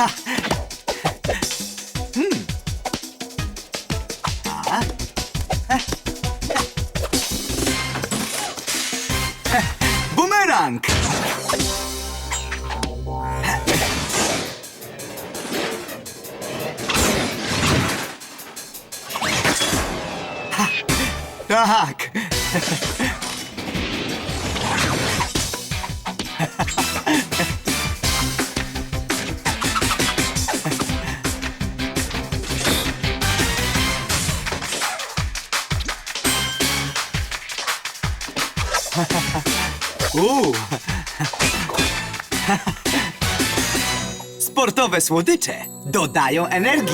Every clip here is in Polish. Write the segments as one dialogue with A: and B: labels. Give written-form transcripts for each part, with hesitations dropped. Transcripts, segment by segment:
A: Bumerang! Tak! Sportowe słodycze dodają energii.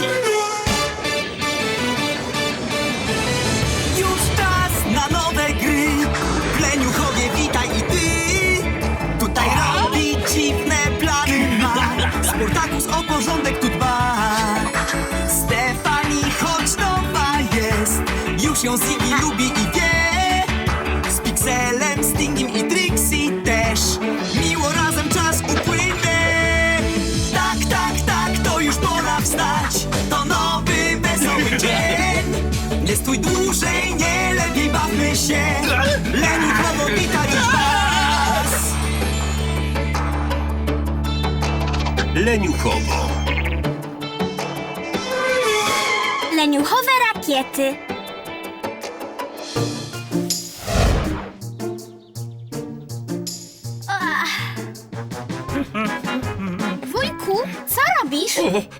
A: Już czas na nowe gry. Pleniuchowie, witaj i ty. Tutaj robi dziwne plany ma. Sportakus o porządek tu dba. Stefani, choć nowa jest, już ją Ziggy lubi i wie. Z Pixelem, Stingiem i Trixie też miło razem czas upłynie. Tak, tak, tak, to już pora wstać. To nowy, wesoły dzień. Nie stój dłużej, nie lepiej bawmy się. Leniuchowo witać już was.
B: Leniuchowo.
C: Leniuchowe rakiety. Wujku, co robisz?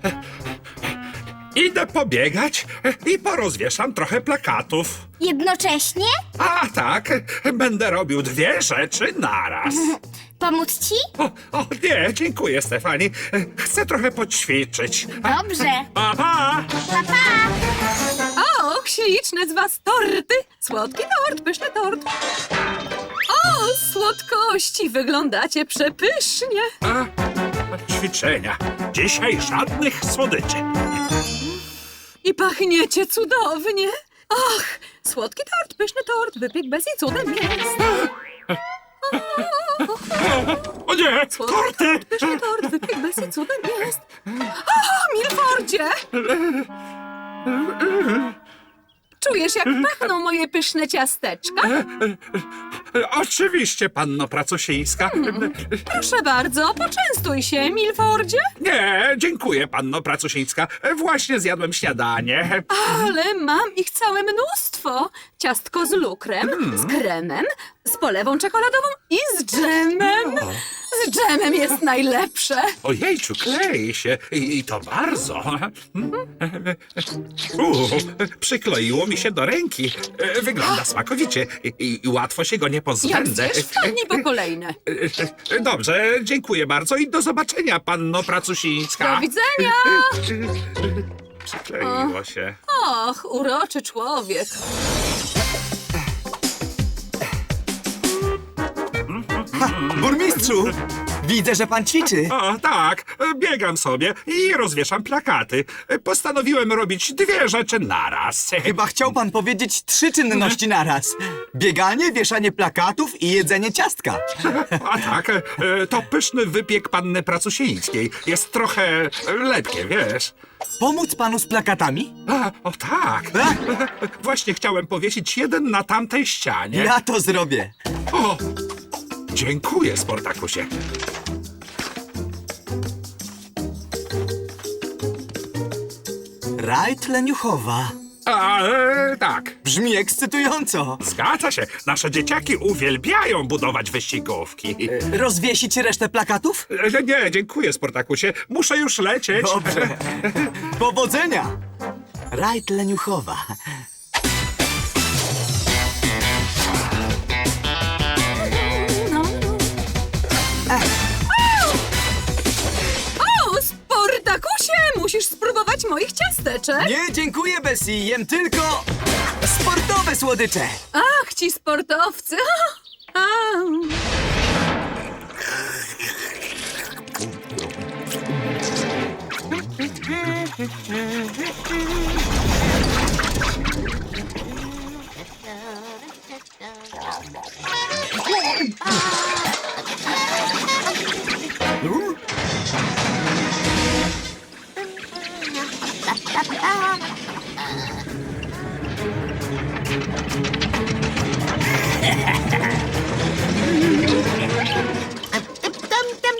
B: Idę pobiegać i porozwieszam trochę plakatów.
C: Jednocześnie?
B: A tak, będę robił dwie rzeczy naraz.
C: Pomóc ci?
B: O nie, dziękuję, Stefani. Chcę trochę poćwiczyć.
C: Dobrze.
B: Pa, pa.
C: Pa, pa.
D: O, śliczne z was torty! Słodki tort, pyszny tort. O, słodkości, wyglądacie przepysznie.
B: Ćwiczenia. Dzisiaj żadnych słodyczy.
D: I pachniecie cudownie. Ach, słodki tort, pyszny tort, wypiek bez i cudem jest.
B: O nie,
D: Słodki
B: torty!
D: tort, pyszny tort, wypiek bez i cudem jest. O, Milfordzie! Czujesz, jak pachną moje pyszne ciasteczka?
B: Oczywiście, panno Pracusińska.
D: Proszę bardzo, poczęstuj się, Milfordzie.
B: Nie, dziękuję, panno Pracusińska. Właśnie zjadłem śniadanie.
D: Ale mam ich całe mnóstwo. Ciastko z lukrem, z kremem, z polewą czekoladową i z dżemem. Z dżemem jest najlepsze.
B: Ojejciu, klei się. I to bardzo. Przykleiło mi się do ręki. Wygląda smakowicie i łatwo się go nie
D: Jak
B: pozbędę.
D: zjesz, wpadnij po kolejne.
B: Dobrze, dziękuję bardzo i do zobaczenia, panno Pracusińska.
D: Do widzenia.
B: Przykleiło się.
D: Och, uroczy człowiek.
A: Burmistrzu! Widzę, że pan ćwiczy.
B: O, tak, biegam sobie i rozwieszam plakaty. Postanowiłem robić dwie rzeczy naraz.
A: Chyba chciał pan powiedzieć 3 czynności naraz. Bieganie, wieszanie plakatów i jedzenie ciastka.
B: A tak, to pyszny wypiek panny Pracusińskiej. Jest trochę lepkie, wiesz.
A: Pomóc panu z plakatami?
B: O tak,
A: A,
B: właśnie chciałem powiesić jeden na tamtej ścianie.
A: ja to zrobię.
B: O, dziękuję, Sportakusie.
A: Rajd Leniuchowa.
B: Tak,
A: Brzmi ekscytująco.
B: zgadza się. Nasze dzieciaki uwielbiają budować wyścigówki.
A: Rozwiesić resztę plakatów?
B: Nie, dziękuję, Sportakusie. Muszę już lecieć.
A: Dobrze. Powodzenia! Rajd Leniuchowa.
D: No. O, Sportakusie, musisz spróbować moich ciasteczek.
A: Nie, dziękuję, Bessie. Jem tylko sportowe słodycze.
D: Ach, ci sportowcy.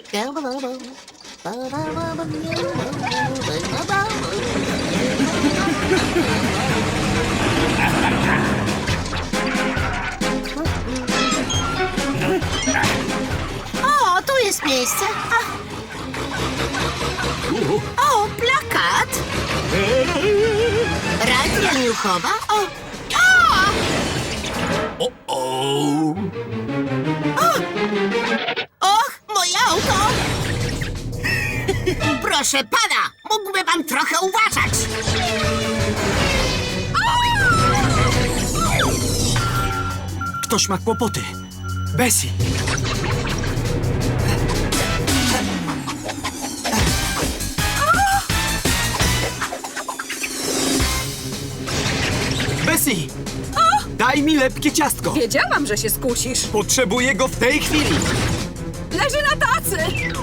E: O, tu jest miejsce. O, plakat. Rajd leniuchowa. O, och, moje auto. Proszę pana, mógłby pan trochę uważać.
A: Ktoś ma kłopoty. Bessie. Bessie! Daj mi lepkie ciastko.
D: Wiedziałam, że się skusisz.
A: Potrzebuję go w tej chwili.
D: Leży na tacy!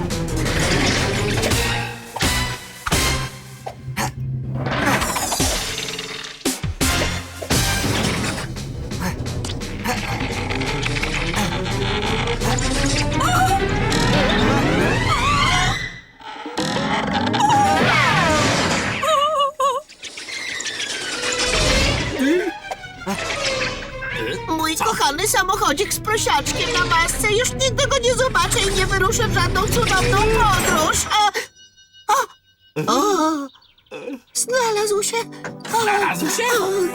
E: Mój kochany samochodzik z prosiaczkiem na masce. Już nigdy go nie zobaczę i nie wyruszę w żadną cudowną podróż. O, znalazł się.
F: Znalazł się?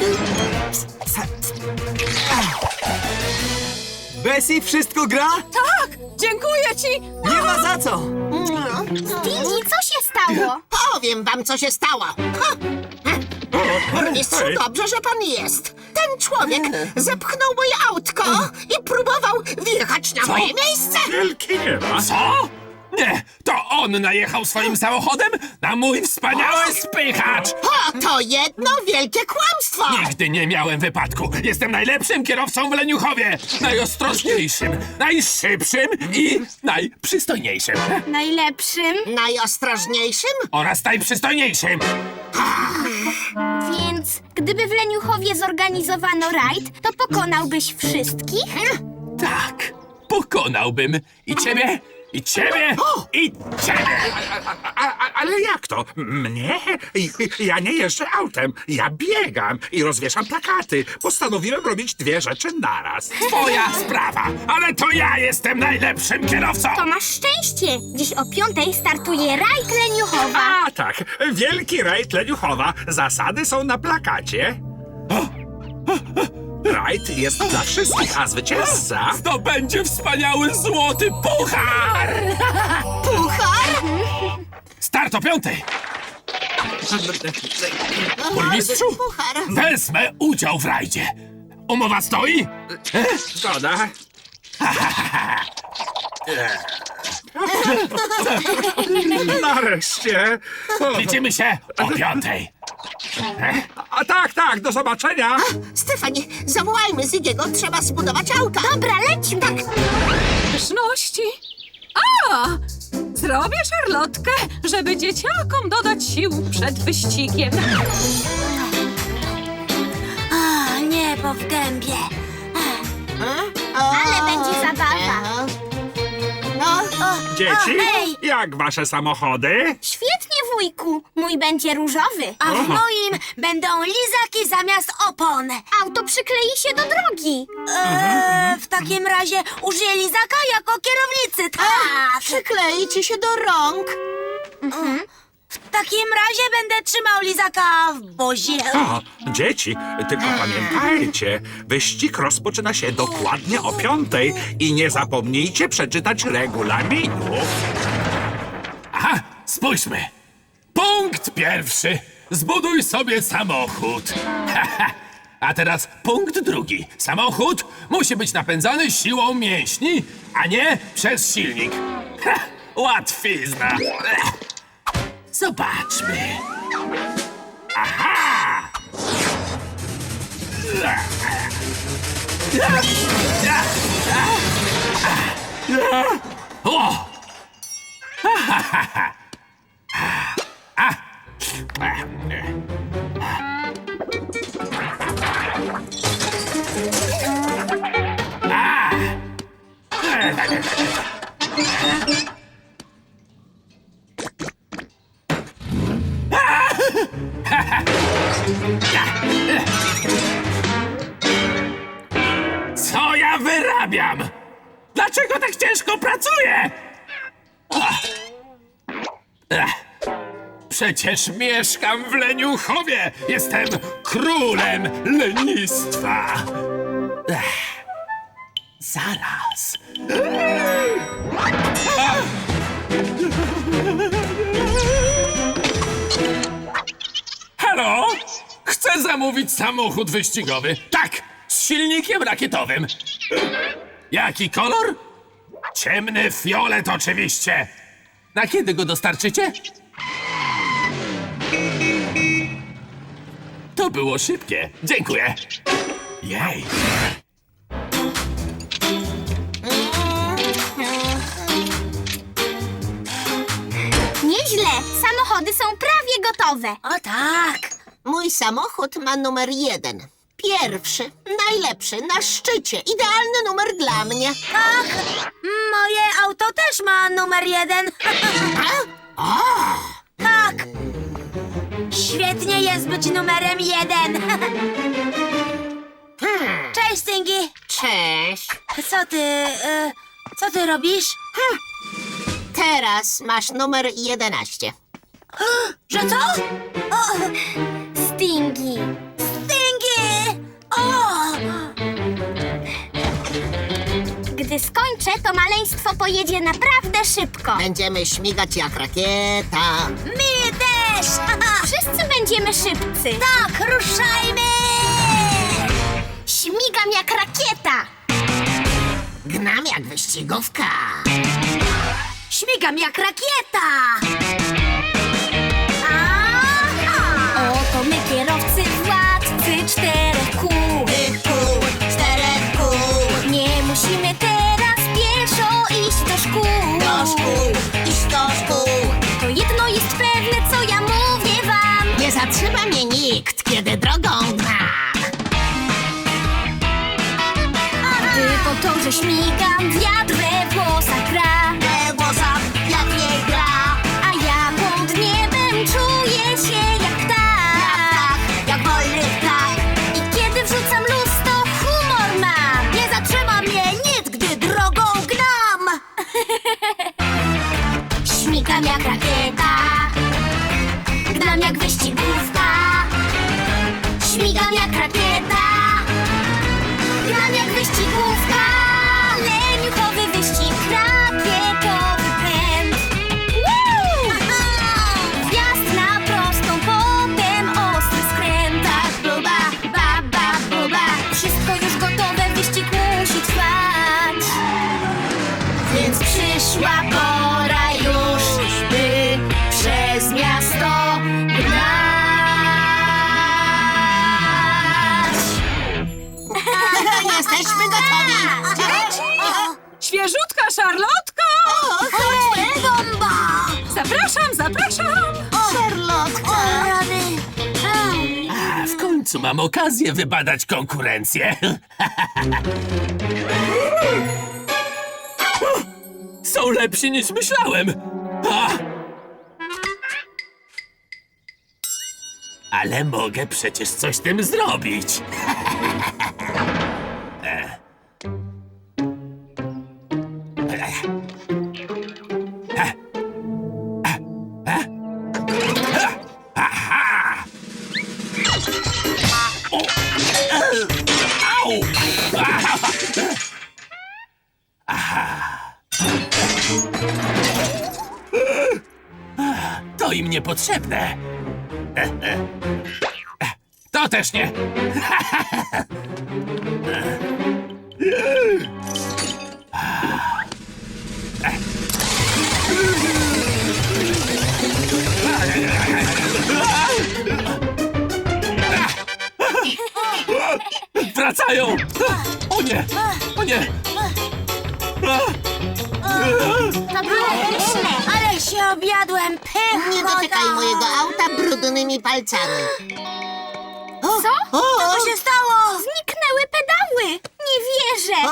A: Bessie, wszystko gra?
D: Tak! Dziękuję ci!
A: Nie ma za co.
C: Didi, co się stało?
E: Powiem wam, co się stało. Mistrzu,
B: Hej.
E: dobrze, że pan jest. Ten człowiek zepchnął moje autko i próbował wjechać na moje miejsce.
B: Wielki nie ma.
F: Co? Nie, to on najechał swoim samochodem na mój wspaniały spychacz!
E: O, to jedno wielkie kłamstwo.
F: Nigdy nie miałem wypadku. Jestem najlepszym kierowcą w Leniuchowie. Najostrożniejszym, najszybszym i najprzystojniejszym.
C: Najlepszym?
E: Najostrożniejszym?
F: Oraz najprzystojniejszym.
C: Więc gdyby w Leniuchowie zorganizowano rajd, to pokonałbyś wszystkich?
F: Tak, pokonałbym i ciebie, i ciebie, i ciebie.
B: Ale jak to? Mnie? Ja nie jeżdżę autem. Ja biegam i rozwieszam plakaty. Postanowiłem robić dwie rzeczy naraz.
F: Twoja sprawa, ale to ja jestem najlepszym kierowcą.
C: To masz szczęście! Dziś o 5:00 startuje rajd Leniuchowa.
B: A tak, wielki rajd Leniuchowa. Zasady są na plakacie. Rajd jest dla wszystkich, a zwycięzca...
F: Zdobędzie wspaniały złoty puchar!
E: Puchar?
F: Start o 5:00. Burmistrzu,
E: Puchar.
F: wezmę udział w rajdzie. Umowa stoi?
B: Zgoda. Nareszcie. O,
F: Widzimy się o 5:00.
B: a tak, do zobaczenia.
E: Stefanie, zawołajmy Ziggiego, trzeba zbudować auto.
C: Dobra, lećmy!
D: Pyszności! A! Zrobię szarlotkę, żeby dzieciakom dodać sił przed wyścigiem.
C: O, niebo w gębie. Ale będzie zabawa.
B: Dzieci,
C: hej!
B: jak wasze samochody?
C: Świetnie, wujku. Mój będzie różowy. A w moim będą lizaki zamiast opon. Auto przyklei się do drogi. W takim razie użyję lizaka jako kierownicy, tak.
E: Przyklei ci się do rąk.
C: W takim razie będę trzymał lizaka w bozie.
B: O, dzieci, tylko pamiętajcie, wyścig rozpoczyna się dokładnie o 5:00 i nie zapomnijcie przeczytać regulaminu.
F: Aha, spójrzmy. Punkt pierwszy. Zbuduj sobie samochód. A teraz punkt drugi. Samochód musi być napędzany siłą mięśni, a nie przez silnik. Łatwizna. Zobaczmy. Aha! O! Przecież mieszkam w Leniuchowie! Jestem królem lenistwa! Zaraz. Halo? Chcę zamówić samochód wyścigowy. Tak, z silnikiem rakietowym. Jaki kolor? Ciemny fiolet oczywiście. Na kiedy go dostarczycie? To było szybkie. Dziękuję. Jej.
C: Nieźle, samochody są prawie gotowe.
E: O tak. Mój samochód ma numer 1. Pierwszy, najlepszy, na szczycie. Idealny numer dla mnie.
C: Tak, moje auto też ma numer 1. Tak. Świetnie jest być numerem 1. Cześć, Stingy.
E: Cześć.
C: Co ty robisz?
E: Teraz masz numer 11.
C: Że co? O, Stingy. Stingy! O! Gdy skończę, to maleństwo pojedzie naprawdę szybko.
E: Będziemy śmigać jak rakieta.
C: My też! Wszyscy będziemy szybcy. Tak, ruszajmy! Śmigam jak rakieta.
E: Gnam jak wyścigówka.
C: Śmigam jak rakieta. Aha! Oto my kierowcy władcy 4 kół.
E: Kół, 4 kół.
C: Nie musimy teraz pieszo iść do szkół.
E: Do szkół, iść do szkół.
C: To jedno jest pewne, co ja mówię wam.
E: Nie zatrzyma mnie nikt, kiedy drogą gnam.
C: Gdy po torze śmigam, wiatr we włosach gra.
E: We włosach jak nie gra.
C: A ja pod niebem czuję się jak ptak.
E: Jak wolny ptak.
C: I kiedy wrzucam luz, to humor mam.
E: Nie zatrzyma mnie nic, gdy drogą gnam.
C: Śmigam jak rakieta. Gnam jak wyścigówka. Śmigam jak rakieta. Gnam jak wyścigówka. Leniuchowy wyścig, rakietowy pęd. Woo! Wjazd na prostą, potem ostry skręt. Buba, baba, buba. Wszystko już gotowe, wyścig musi trwać. Więc przyszła pora już, by przez miasto gnać.
E: Jesteśmy gotowi.
D: Świeżutka szarlotko!
C: Chodźmy, bomba!
D: Zapraszam, zapraszam!
E: Charlotka.
C: Rany.
F: A, w końcu mam okazję wybadać konkurencję. Są lepsi niż myślałem. A! Ale mogę przecież coś z tym zrobić. Aha! O! Au! To im niepotrzebne. To też nie. Wracają! O nie! O nie!
C: To było pyszne, ale się objadłem pychotą.
E: Nie dotykaj mojego auta brudnymi palcami.
C: Co? Co się stało? Zniknęły pedały. Nie wierzę.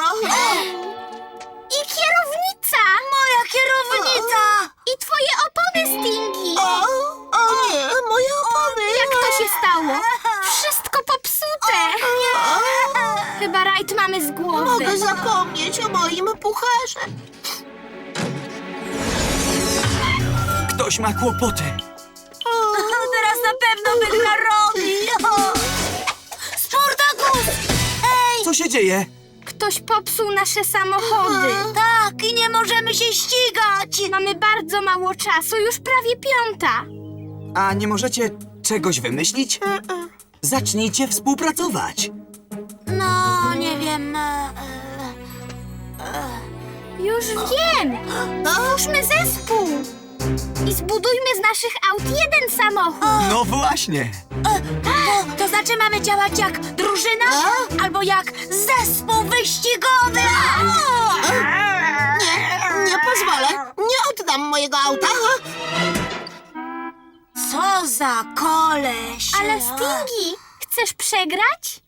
C: I kierownica. Moja kierownica. I twoje opony, Stingy.
E: O nie, moje opony.
C: Jak to się stało? Wszystko popsute. Chyba rajd mamy z głowy.
E: Mogę zapomnieć o moim pucharze.
A: Kto Ktoś ma kłopoty.
C: Teraz na pewno wygra Robi. Sportakus! Ej!
A: Co się dzieje?
C: Ktoś popsuł nasze samochody. Tak, i nie możemy się ścigać. Mamy bardzo mało czasu, już prawie 5:00.
A: A nie możecie czegoś wymyślić? Zacznijcie współpracować.
C: No, nie wiem. Już wiem. Stwórzmy zespół. I zbudujmy z naszych aut jeden samochód.
A: No właśnie.
C: To znaczy mamy działać jak drużyna? Albo jak zespół wyścigowy?
E: Nie pozwolę. Nie oddam mojego auta.
C: Co za koleś. Ale Stingy, chcesz przegrać?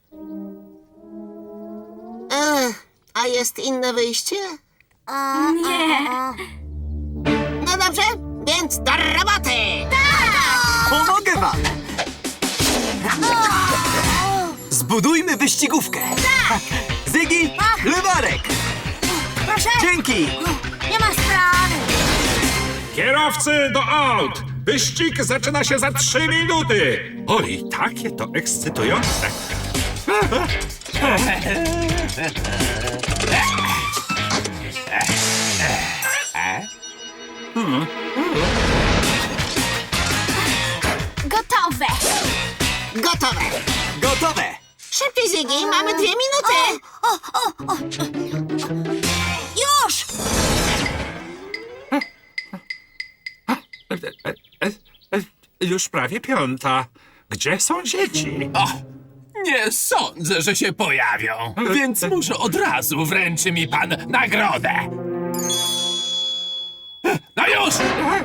E: A jest inne wyjście?
C: Nie.
E: No dobrze, więc do roboty!
A: Pomogę wam. Zbudujmy wyścigówkę. Zygi, Lewarek.
C: Proszę.
A: Dzięki.
C: Nie ma sprawy.
B: Kierowcy do aut! Wyścig zaczyna się za 3 minuty! Oj, takie to ekscytujące!
C: Gotowe.
E: Gotowe!
A: Gotowe.
E: Szybciej, Ziggy, mamy 2 minuty!
C: Już!
B: Już prawie 5:00. Gdzie są dzieci?
F: O, nie sądzę, że się pojawią, więc może od razu wręczy mi pan nagrodę. No już!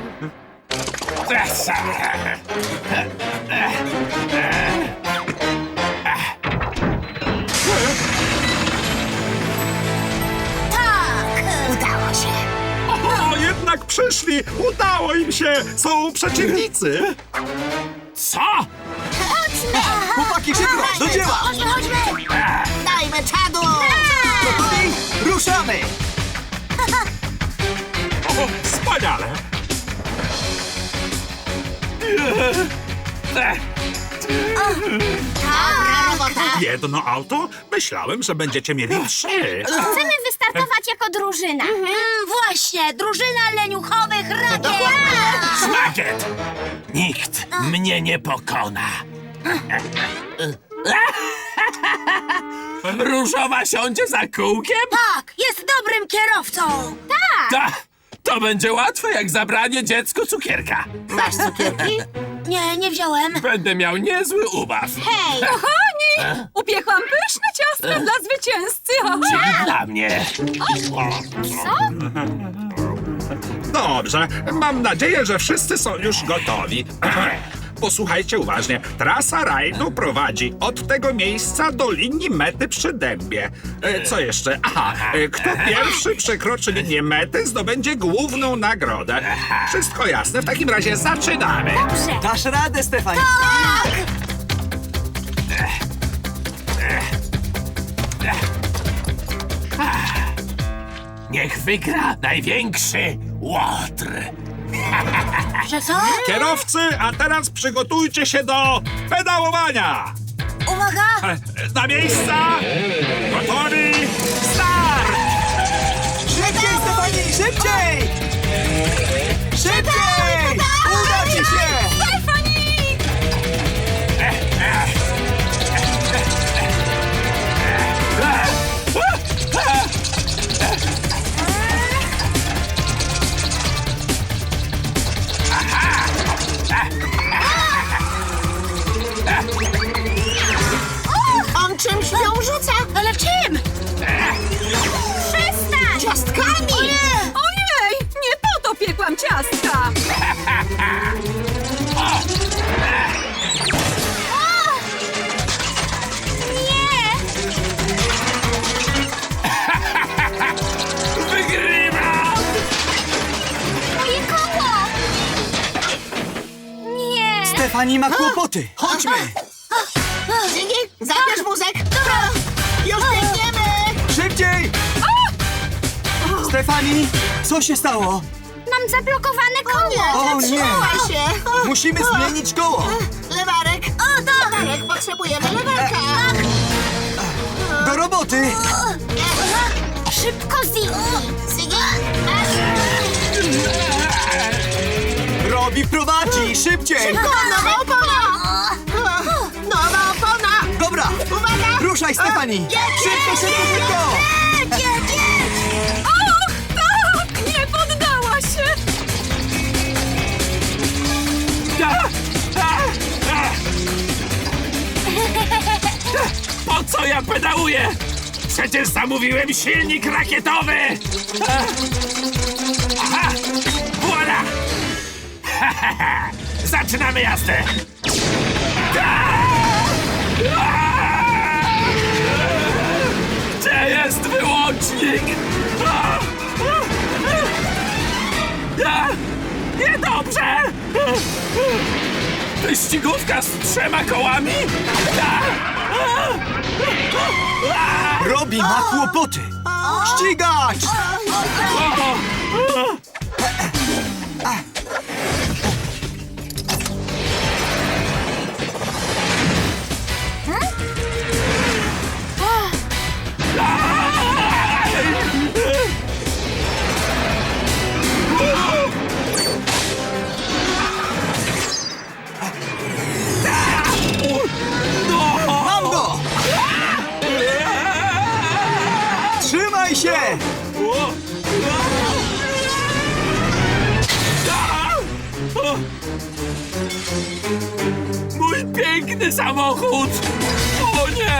E: Udało się!
B: O, jednak przyszli! Udało im się! Są przeciwnicy!
F: Co?
A: Chłopaki, szybko, do dzieła.
C: Chodźmy.
E: Dajmy czadu!
A: Gotowi? Ruszamy.
B: O, wspaniale!
E: Dobra robota!
B: Jedno auto? Myślałem, że będziecie mieli 3.
C: Chcemy wystartować jako drużyna. Właśnie, drużyna leniuchowych rakiet.
F: Szmagiet! Nikt mnie nie pokona. Różowa siądzie za kółkiem?
C: Tak, jest dobrym kierowcą. Tak.
F: To będzie łatwe jak zabranie dziecku cukierka.
E: Masz cukierki?
C: Nie wziąłem.
F: Będę miał niezły ubaw.
C: Hej,
D: Kochani, upiekłam pyszne ciastka dla zwycięzcy.
F: Czyli dla mnie.
B: Dobrze, mam nadzieję, że wszyscy są już gotowi. Posłuchajcie uważnie. Trasa rajdu prowadzi od tego miejsca do linii mety przy dębie. Co jeszcze? Aha, kto pierwszy przekroczy linię mety, zdobędzie główną nagrodę. Wszystko jasne, w takim razie zaczynamy.
C: dobrze.
A: Dasz radę, Stefani.
F: Niech wygra największy łotr.
C: Że co?
B: Kierowcy, a teraz przygotujcie się do pedałowania.
C: Uwaga.
B: Na miejsca! Gotowi! Start!
A: Szybciej, Stefani, szybciej. Szybciej. Uda ci się.
E: On czymś ją rzuca!
C: Ale czym? Przestań.
E: Ciastkami!
D: Ojej, nie po to piekłam ciastka.
C: Nie.
F: Wygrywam!
C: Moje koło. Nie.
A: Stefani ma kłopoty. Chodźmy.
E: Ziggy, zabierz wózek! Już biegniemy!
A: Szybciej. Stefani, co się stało?
C: Mam zablokowane koło.
A: O nie!
E: Zatrzymaj się!
A: Musimy zmienić koło!
E: Lewarek! Lewarek! Potrzebujemy lewarka!
A: Do roboty!
C: Szybko, Ziggy.
A: Robi prowadzi! Szybciej!
E: Nowa opona! Nowa opona!
A: Dobra!
E: Uwaga!
A: Ruszaj, Stefani! Szybko, szybko, szybko!
D: Och, tak! Nie poddała się!
F: Po co ja pedałuję? Przecież zamówiłem silnik rakietowy! Aha! Voila! Zaczynamy jazdę! Gdzie jest wyłącznik? Niedobrze! Wyścigówka z 3 kołami?
A: Robi ma kłopoty! Ścigacz! Mam go! Trzymaj się!
F: Mój piękny samochód! O nie!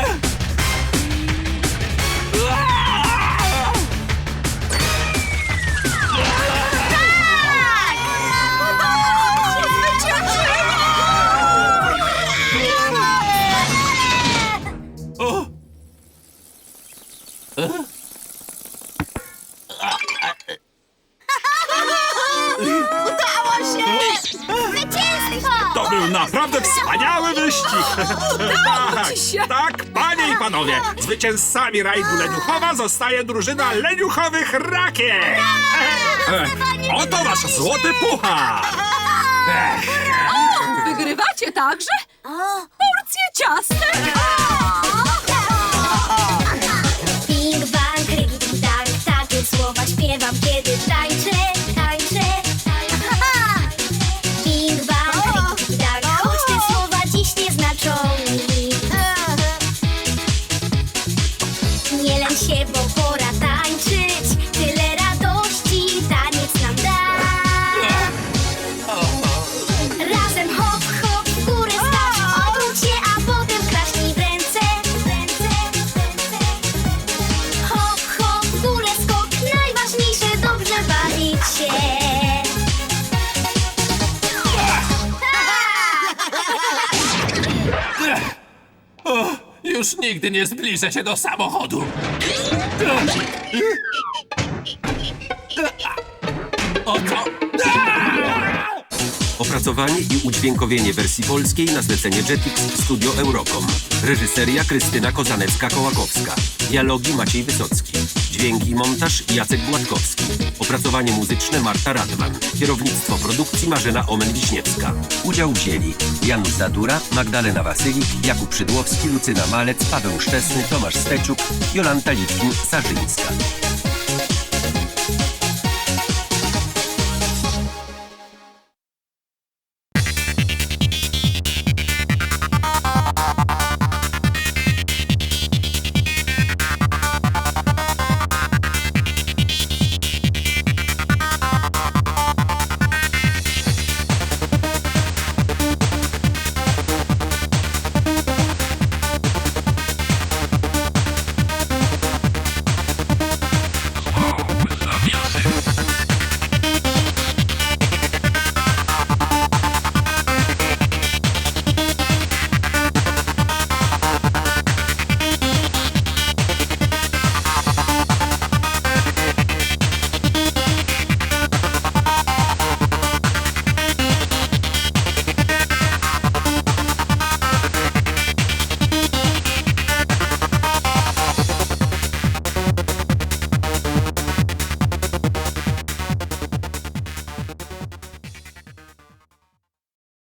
C: Zwycięstwo!
B: To był naprawdę wspaniały wyścig! Tak, panie i panowie, zwycięzcami rajdu Leniuchowa zostaje drużyna Leniuchowych Rakiet! Oto wasz złoty puchar!
D: Wygrywacie także? Porcję ciastek!
C: Bing, bang, rygi, tak, takie słowa śpiewam, kiedy tańczę, tańczę. Bing, bang, rygi, tak, choć te słowa dziś nie znaczą nic. Nie lęk się, bo pora tańczyć, tyle radości taniec nam da. Razem hop, hop, w górę stać, obróć się, a potem klaśnij w ręce. Hop, hop, w górę skok, najważniejsze dobrze bawić się.
F: Już nigdy nie zbliżę się do samochodu. Oto.
G: Opracowanie i udźwiękowienie wersji polskiej na zlecenie Jetix Studio Eurocom. Reżyseria Krystyna Kozanecka-Kołakowska. Dialogi Maciej Wysocki. Dźwięk i montaż Jacek Gładkowski. Opracowanie muzyczne Marta Radwan. Kierownictwo produkcji Marzena Omen-Wiśniewska. Udział wzięli Janusz Zadura, Magdalena Wasylik, Jakub Szydłowski, Lucyna Malec, Paweł Szczesny, Tomasz Steciuk, Jolanta Litwin-Sarzyńska.